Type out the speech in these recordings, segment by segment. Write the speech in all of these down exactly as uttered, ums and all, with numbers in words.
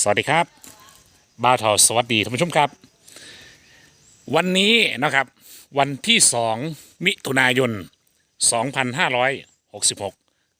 สวัสดีครับบ่าวทอสวัสดีท่านผู้ชมครับวันนี้นะครับวันที่สองมิถุนายนสองพันห้าร้อยหกสิบหก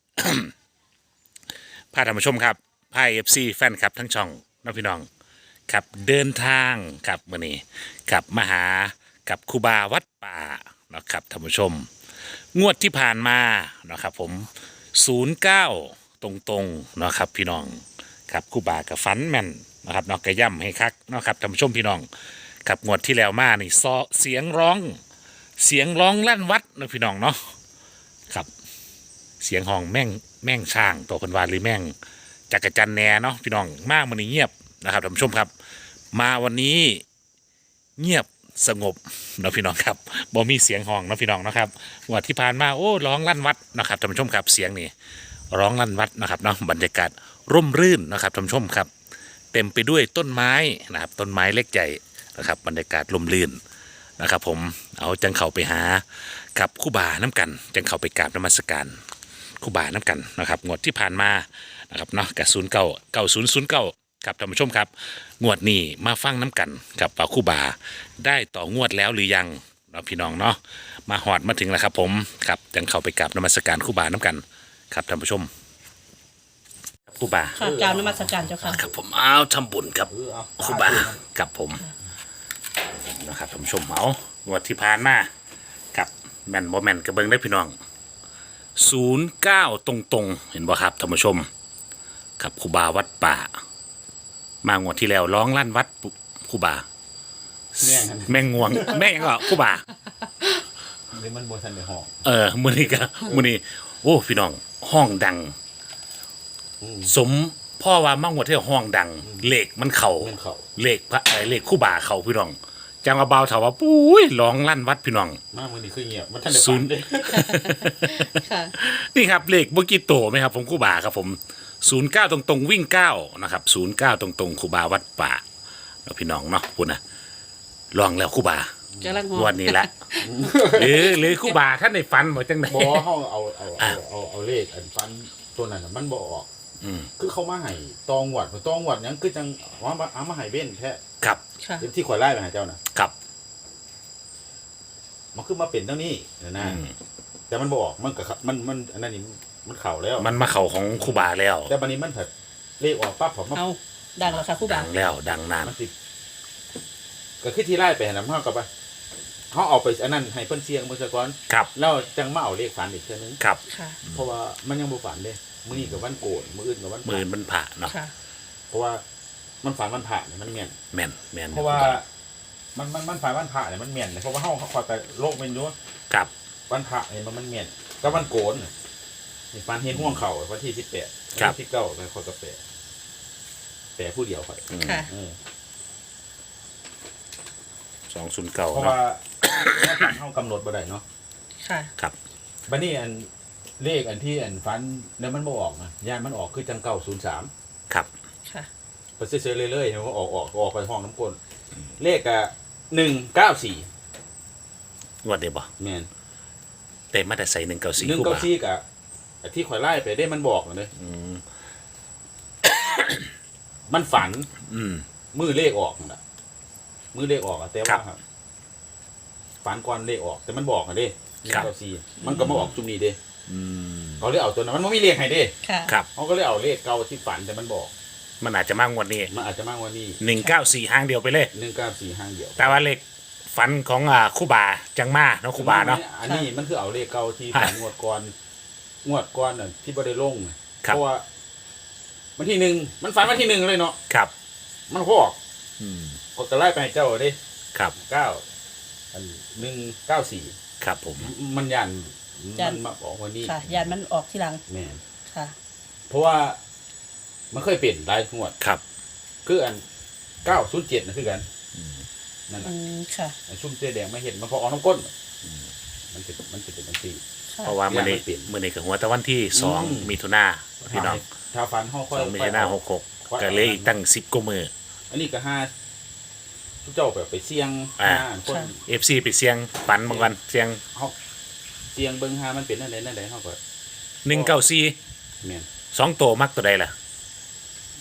พาท่านผู้ชมครับพาเอฟซีแฟนคลับทั้งช่องน้องพี่น้องครับเดินทางครับวันนี้กับมาหากับครูบาวัดป่านะครับท่านผู้ชมงวดที่ผ่านมานะครับผมศูนย์เก้าตรงๆนะครับพี่น้องครับครูบากับฟันแม่นนะครับนอกกระย่ำให้คักนะครับท่านผู้ชมพี่น้องกับงวดที่แล้วมานี่ซอเสียงร้องเสียงร้องลั่นวัดนะพี่น้องเนาะครับเสียงห้องแม่งแม่งช่างตัวคนวาหรือแม่งจักรจันแหน่เนาะพี่น้องมากมันนี่เงียบนะครับท่านผู้ชมครับมาวันนี้เงียบสงบนะพี่น้องครับบ่มีเสียงห้องนะพี่น้องนะครับงวดที่ผ่านมาโอ้ร้องลั่นวัดนะครับท่านผู้ชมครับเสียงนี่ร้องลั่นวัดนะครับเนาะบรรยากาศร่มรื่นนะครับท่านผู้ชมครับเต็มไปด้วยต้นไม้นะครับต้นไม้เล็กใหญ่นะครับบรรยากาศร่มรื่นนะครับผมเอาจังเข้าไปหากับครูบาน้ำกันจังเข้าไปกราบนมัสการครูบาน้ำกันนะครับงวดที่ผ่านมานะครับเนาะกับศูนย์เก้าเก้าศูนย์ศูนย์เก้าครับท่านผู้ชมครับงวดนี้มาฟังน้ำกันกับป่าครูบาได้ต่องวดแล้วหรือยังเนาะพี่น้องเนาะมาหอดมาถึงแล้วครับผมครับจังเข้าไปกราบนมัสการครูบาน้ำกันครับท่านผู้ชมครูบาค่ะกรารนมัสการเจ้าค่ะครับผมเอาทำบุญกับครูบากับผมนะครับท่านผู้ชมเอางวดที่ผ่านมากับแมนบอแมนกระเบิงได้พี่น้องศูนย์เก้าตรงๆเห็นบ่ครับท่านผู้ชมกับครูบาวัดป่ามางวดที่แล้วร้องลั่นวัดครูบาแม่งแม่งงวงแม่งก็ครูบานี่มันบนทันในห้องเออมือนี้ก็มือนี้โอ้พี่น้องห้องดัง สมพ่อว่ามางวดที่ห้องดังเลขมันเข่ามันเขาเลขพระไอ้เลขคู่บ่าเขาพี่น้องจังเอาเบาถามว่าปุ้ยร้องลั่นวัดพี่น้องมากมือนี่คือเงียบมันทันในศูฝันนย์เลยค่ะนี่ครับเลขเมื่อกี้โตไหมครับผมคู่บ่าครับผมศูนย์เก้าตรงๆวิ่งเก้านะครับศูนย์เก้าตรงๆคู่บ่าวัดป่าเราพี่น้องเนาะคุณนะลองแล้วคู่บ่ากำลังหอวันนี้ละหรือหรือคู่บ่าท่านในฝันบอกจังไหนบอห้องเอาเอาเอาเอาเอาเลขอันฟันตัวนั้นน่ะมันบอออกอืมคือเขามาให้ตองหวัดตองหวัดยังคือจังว่ามาเอามาให้เบ้นแท้ครับค่ะที่ข่อยไล่ไปหาเจ้าน่ะครับมันคือมาเป็นเท่านี้นะนะอืมแต่มันบออกมันกับมันมันอันนั้นนี่มันเข่าแล้วมันมาเข่าของคู่บ่าแล้วแต่บันนี้มันถัดเลขออกปั๊บผมมาเอาดังแล้วค่ะครู่ดับางแล้วดังนานมันติดก็คือที่ไล่ไปหาน้ำห้ากับไปเขาเอาไปอันนั้นให้เพิ่นเสียงเมื่อสักก่อนครับแล้วจังมาเอาเลขฝันอีกเท่านึงครับค่ะเพราะว่ามันยังบ่ฝันเลยมื้อนี้กับวันโกนมื้ออื่นกับวันพมืระอมันผ่าเนาะค่ะเพราะว่ามันฝันวันพระเนี่ยมันเมียนแม่นแม่นเพราะว่ามันมันมันฝันวันพระเนี่ยมันเมียนเลยเพราะว่าเฮาเขาคอยไปโลกเป็นอยู่ครับวันพระเนี่ยมันมันเมียนก็วันโกนเนี่ยนี่ฝันเห็นห่วงเข่าวันที่สิบแปดวันที่สิบเก้าไปคอยกาแฟแปะผู้เดียวคอยอืมค่ะเออสองศูนย์เก้าเพราะเนาะว่าเฮากำหนดบ่ได้เนาะค่ะครับบัดนี้อันเลขอันที่อันฝันแล้วมันบ่ออกนะยานมันออกคือจังเก้าศูนย์สามครับค่ะไปเฉยๆเรื่อยๆเห็นว่าออกออกออกไปห้องน้ำกลเลขอะหนึ่งเก้าสี่งวดเดียวบ่แมนเต็มมาแต่ใส่หนึ่งเก้าสี่หนึ่งคู่เก้าบ่าสี่กับไอ้ที่ข่อยไล่ไปได้มันบอกเลยอืมมันฝันอืมมือเลขออกนั่นล่ะมือเลขออกอะแต่ครัว่าบครับฝันก่อนเลขออก แต่มันบอกอะเด้หนึ่ครังบเก้าสี่มันก็มาออกจุมนี้เด้อืมเขาเลยเอาตัวนั้นมันไม่มีเลขให้เด้ค่ะครับเขาก็เลยเอาเลขเก่าที่ฝันแต่มันบอกมันอาจจะมากงวดนี้มันอาจจะมากกว่านี้หนึ่งเก้าสี่ห้างเดียวไปเลยหนึ่งเก้าสี่ห้างเดียวแต่ว่าเลขฝันของอ่าคู่บ่าจังมาเนาะคู่บ่าเนาะอันนี้มันคือเอาเลขเก่าที่ฮะฝันงวดก่อนงวดก่อนน่ะที่บ่ได้ลงน่ะครับเพราะว่าวันที่หนึ่งมันฝันวันที่หนึ่งเลยเนาะครับมันก็ออกอืมก็จะไล่ไปให้เจ้าเด้ครับเก้าอันหนึ่งเก้าสี่ครับผมมันยันยัมัน นมาบอกวันนี้ค่ะยานมันออกทีหลังแม่นค่ะเพราะว่ามันเคยเปลี่ยนหลายงวดครับคืออันเก้าศูนย์เจ็ดนะคือกันนั่นแหอืละมค่ะไอ้ชุ่มเสื้อแดงไม่เห็นมันพอออกน้ำก้นมันจะมันจะเป็นอันที่ค่ะเพราะว่ามื่อนี้มันเปลี่ยนมื่อนี้กับหัวตะวันที่สองอืมมิถุนาพี่น้องถ้าฟันห้องค่อยสองมิถุนาหกหกก็เหลยอีกตั้งสิบกว่ามืออันนี้ก็ห้าทุกเจ้าแบบไปเสี่ยงอ่าห้าคนเอฟซีไปเสียงฝันบางวันเสียงเขาเสี่ยงเบิ้งห้ามันเป็นนั่นใดนั่นใดเขาก็หนึ่งเก้าสี่แม่นสองตัวมักตัวใดล่ะ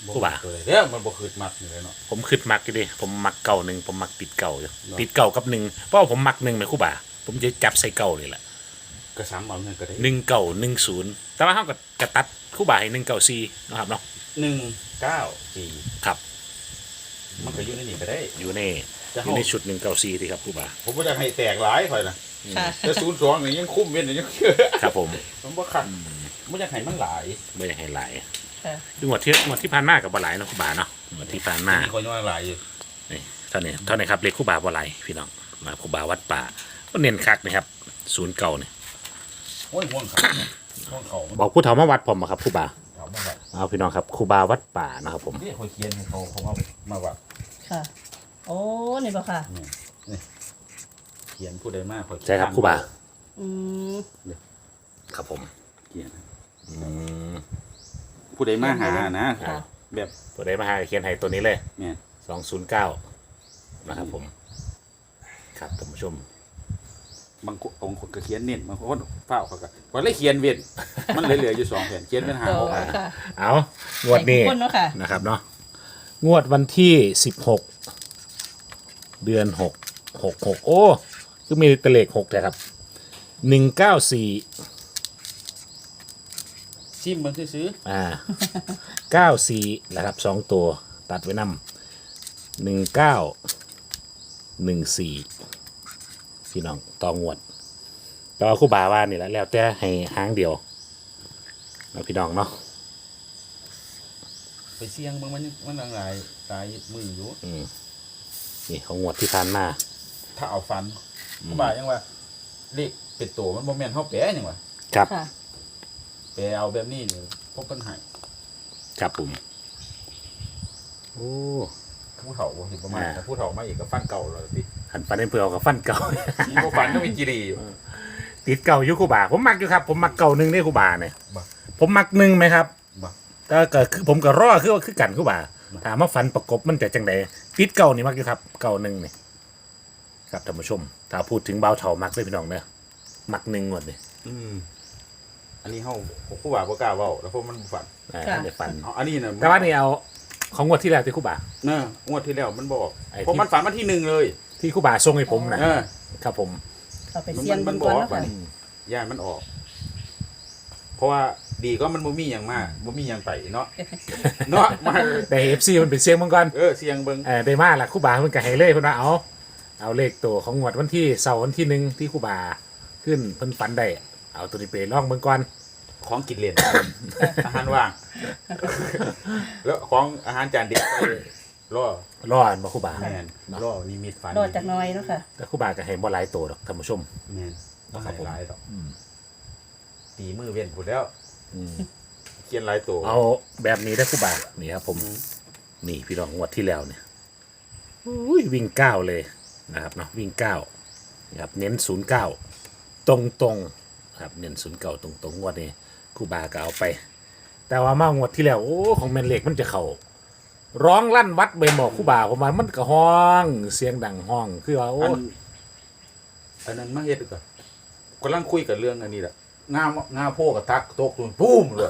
ครูบาตัวใดเด้อมันบ่คืดมักอยู่เลยเนาะผมคิดมักอยู่ดิผมมักเก่าหนึ่งผมมักติดเก่าอยู่เนาะติดเก่ากับหนึ่งเพราะว่าผมมักหนึ่งไหมครู่บ่าผมจะจับใส่เก่าเลยแหละก็ซ้ำเอาเงินก็ได้หนึ่งเก่าหนึ่งศูนย์แต่ว่าเขาก็กระตัดครู่บ่าให้หนึ่งเก่าสี่นะครับเนาะหนึ่งเก้าสี่ครับมันก็อยู่ในนี่ก็ได้อยู่ในจะอเอายู่ในชุดหนึ่งเก่าสี่ที่ครับครู่บ่าผมบ่อยากให้แตกหลายค่อยนะค่ะแต่ศูนย์สองนี่ยังคุ้มเว้นยังเชื่อครับผมมันบ่คักบ่อยากให้มันหลายไม่อยากให้หลายค่ะดูงวดที่งวดที่ผ่านมากับบหลายเนาะครู่บ่าเนาะงวดที่ผ่านมามีคนว่าหลายอยู่นี่เท่านี้เท่านี้ครับเลขครู่บ่าบหลายพี่น้องมาครู่บ่าวัดป่าก็เน้นคักนะครับศูนย์เก่าเนี่ยโอ้ยห่วงเขาห่วงเขามันบอกผู้เฒ่ามาวัดผมอะครับครู่บ่าเขามาแบบเอาพี่น้องครับครู่บ่าวัดป่านะครับผมนี่เขาเขียนให้เขาเขามามาว่าค่ะ โอ้นี่บ่ค่ะนี่นี่เขียนผู้ใดมากเขาใช่ครับครู่บ่าอืมครับผมเขียนอืมผู้ใดมาหานะค่ะแบบตัวได้มาหาเขียนให้ตัวนี้เลยเนี่ยสองศูนย์เก้านะครับผม ครับท่านผู้ชมบางคนองค์คนก็เขียนเน้นบางคนเฝ้าเขาก็ก็เลยเขียนเว้นมันเหลือๆอยู่สองแผ่นเขียนเป็นหาโตหกอันค่ะเอางวดนี้ให้ทุกคนเนาะค่ะนะครับเนาะงวดวันที่สิบหกเดือนหกหกหกโอ้คือมีแตะเลขหกแต่ครับหนึ่งเก้าสี่ซิมมันซื้ออ่าเก้าสี่นะครับสองตัวตัดไว้นำหนึ่งเก้าหนึ่งสี่พี่น้องต่องวดต่อคู่บาว่านี่แหละแล้วแต่ให้หางเดียวเนาะพี่น้องเนาะๆไปเสี่ยงบางมันมันหลายตายมืออยู่อืมนี่ของงวดที่ผ่านมาถ้าเอาฟันผู้บ่ายังว่าเลขเป็นตัวมันบ่แม่นเฮาแปะยังว่าครับค่ะแปลเอาแบบนี้นี่พบปัญหาครับผมโอ้ผู้เฒ่าบ่สิประมาณอ่าถ้าผู้เฒ่ามาอีกก็ฟันเก่าเลยสิหันฟันเพื่อเอากับฟันเก่ามีบ่ฟันก็มีจิรีอยู่ติดเก่าอยู่คู่บาผมมักอยู่ครับผมมักเก่าหนึ่งได้คู่บาเนี่ยบ่ผมมักหนึ่งไหมครับบ่แต่ก็คือผมก็รอคือว่าคือกันคู่บาบ่ถามว่าฟันประกบมันจะจังใดติดเก่านี่มักอยู่ครับเก่าหนึ่งนี่ครับท่านผู้ชม ถ้าพูดถึงเบาเถามักเลยพี่น้องเนอะมักหนึ่งหมดเลยอืมอันนี้เฮาผู้บ่าบ่กล้าเว้าแล้วเพราะมันบ่ฟันอ่าค่ะเดี๋ยวฟันเอาอันนี้น่ะแต่ว่านี่เอาของงวดที่แล้วที่คู่บาเนอะงวดที่แล้วมันบอกไอ้ที่เพราะมันฝันมาที่หนึ่งเลยที่คู่บาส่งให้ผมนะเออครับผมเอาไปเสี่ยงเบิ่งก่อนเนาะค่ะย่านมันออก เพราะว่าดีก็มันบ่มีหยังมากบ่มีหยังไปเนาะ เนาะมาแต่เอฟซีมันเป็นเสียงมังกรเออเสียงเบิ่งเออได้มาละคู่บาเพิ่นก็ให้เลยเพิ่นว่าเอาเอาเลขตัวของงวดวันที่เสาร์วันที่หนึ่งที่คู่บาขึ้นเพิ่นฝันได้เอาตัวนี้ไปลองเบิ่งก่อนของกินเล่น อาหารว่าง แล้วของอาหารจานเด็ดไปรอรออันบ่คู่บาแม่นรอนิมิตฝันรอจากหน้อยเนาะค่ะแต่คู่บาก็ให้บ่หลายตัวดอกท่านผู้ชมแม่นบ่ครัให้บผมหลายดอกอืมตีมือเว้นพูดแล้วอืมเขียนหลายตัวเอาแบบนี้ได้อคู่บานี่ครับผมอืมนี่พี่น้องงวดที่แล้วเนี่ยอุ้ยวิ่งเก้าเลยนะครับเนาะวิ่งเก้านะครับเน้นศูนย์เก้าตรงตรงๆครับเน้นศูนย์เก้าตรงตรงๆงวดนี้คู่บาก็เอาไป แต่ว่ามางวดที่แล้วโอ้ของแมนเล็กมันจะเข่าร้องลั่นวัดใบหมอกคู่บาผมว่ามันก็ห้องเสียงดังห้องคือว่าโอ้อันอันนั้นมาเฮ็ดก่อนกำลังคุยกับเรื่องอันนี้แหละงามงาโพกับทักตกตุนปุ้มเลย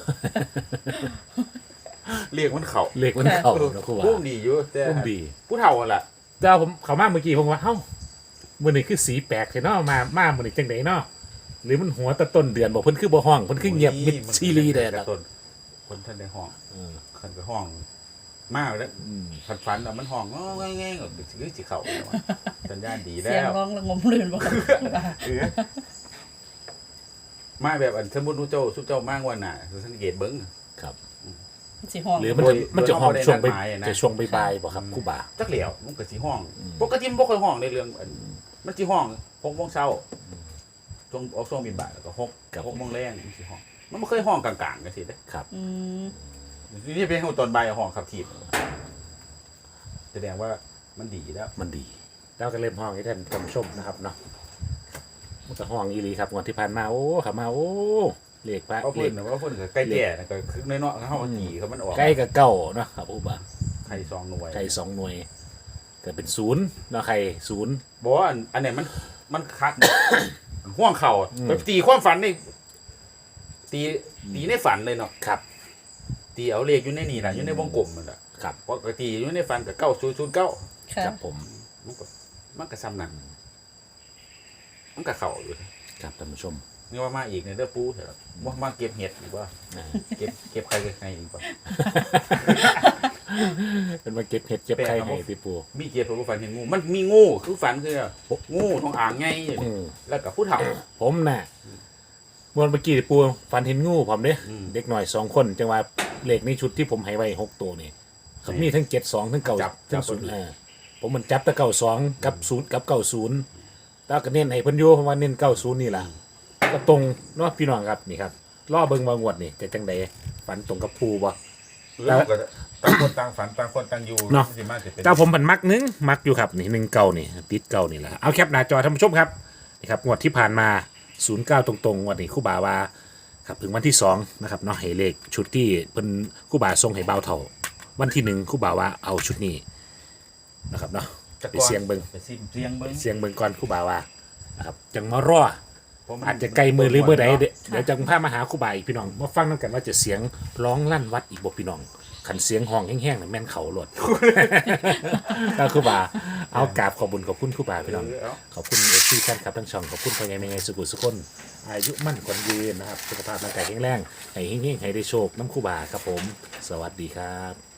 เรียกมันเข่าเล็กมันเข่าเนาะคู่บาปุ้มดีอยู่แต่พุ่มดีผู้เฒ่าอะล่ะแต่ว่าผมเขามาเมื่อกี้ผมว่าเฮ้ามื่อนี้คือสีแปลกเนาะมามามื่อนี้จังไดเนาะหรือมันหัวแตะต้นเดือนบอกเพิ่นคือบ่ห้องเพิ่นคือเงียบมิดซีรีส์เด้อแต่นะต้นคนท่านได้ห้องเออคันไปห้อง มากแล้วอืมฝันฝันๆอะมันห้องง้อแง่ๆก็คือสิเข่าแล้วอะสัญญาณดีแล้เสียงวร้องระงมลื่นบ่ค่ะเออมาแบบอันสมมุติว่าเจ้าสุเจ้ามากกว่าน่ะสังเกตเบิ่งครับสิห้องหรือมันจะโดยมันจะห้องโดยช่วงไปโดยนัดหมายอะนะจะช่วงบ่ายๆบ่ครับครูบาจักเหลียวมันก็สิห้องอืมปกติมันบ่ค่อยห้องในเรื่องอันมันสิห้องหกโมงเช้าช่วงออกช่วงบินบ่ายแล้วก็หกครับหกโมงแรงมันสิห้อง มันบ่เคยห้องกลางๆกันสิเด้ครับอืมนี่เป็นห้องตอนบ่ายห้องขับถีบแสดงว่ามันดีแล้วมันดีแล้วก็เริ่มห้องให้ท่านผู้ชมนะครับเนาะมันก็ห้องอีหลีครับงวดที่ผ่านมาโอ้ขับมาโอ้เลขพระเพราะเลเพิ่นขน่ะว่าเพิ่นก็ใกล้แก่น่ะก็คือน้อยๆเฮาตีเขามันออกใกล้กับเก้าเนาะครับครูบาไข่สองหน่วยไข่สองหน่วยก็เป็นศูนย์เนาะไข่ศูนย์บอกว่าอันอันเนี้ยมันมันคัก มันห่วงเข่าอืมไปตีความฝันนี่ตีตีในฝันเลยเนาะครับตีเอาเลขอยู่ในนี่แหละอยู่ในวงกลมมันแหละครับปกติอยู่ในฟันกับเก้าศูนย์ศูนย์เก้าค่ะครับผมมันก็มันก็ซ้ำนั่นมันก็เข่าอยู่ครับท่านผู้ชมนี่ว่ามาอีกในเด้อปูเถอะว่ามาเก็บเห็ดอีกว่าอ่าเก็บเก็บใครเก็บใครอีกว่าเป็นมาเก็บเห็ดเก็บไข่ให้พี่ปูมีเก็บเพราะว่าฝันเห็นงูมันมีงูคือฝันคืองูทองอ่างไงอืมแล้วกับผู้เฒ่าผมน่ะมวนเมื่อกี้ปูฟันเห็นงูผมเด้อืมเด็กหน่อยสองคนจังว่าเลขในชุดที่ผมให้ไว้หกตัวนี่เขามีทั้งเจ็ดสองทั้งเก่าจับทั้จังบศูนย์พอดีห้าผมมันจับแต่เก่าสองกับศูนย์กับเก่าศูนย์แล้วก็เน้นให้เพิ่นอยู่เพราะว่าเน้นเก่าศูนย์นี่ล่ะก็ตรงเนาะพี่น้องครับนี่ครับล่อเบิ่งมางวดนี่จะจังใดฝันตรงกับภูบ่เรื่องก็ต่างคนต่างฝันต่างคนต่างอยู่เนาะสิมากจะเป็นเจ้าผมผันมักนึงมักอยู่ครับนี่หนึ่งเก่านี่ติดเก่านี่แหละเอาแคปหน้าจอท่านผู้ชมครับนี่ครับงวดที่ผ่านมาศูนย์เก้าตรงๆงวดนี้ครู่บาว่าครับถึงวันที่สองนะครับเนาะให้เลขชุดที่เป็นครู่บาทรงให้เบาเท่าวันที่หนึ่งครู่บาว่าเอาชุดนี้นะครับเนาะไปเสียงเบิงไปซิมเสียงเบิ้งเสียงเบิงก่อนครู่บาว่านะครับจังมารอเพราะมันอาจจะไกลมือหรือเมื่อใดเดเดี๋ยวจังพามาหาครู่บาอีกพี่น้องมาฟังน้ำกันว่าจะเสียงร้องลั่นวัดอีกบ่พี่น้องขันเสียงห้องแห้งๆน่ะแม่นเขาหลด ก็ครู่บาเอากราบขอบคุญขอบคุณครู่บาพี่น้องเออขอบคุณเอฟซีแฟนคลับทั้งช่องขอบคุณพ่อใหญ่แม่ใหญ่สุขุสุขคนอายุมั่นขวัญยืนนะครับสุขภาพร่างกายแข็งแรงให้เฮงๆให้ได้โชคน้ำครู่บาครับผม สวัสดีครับ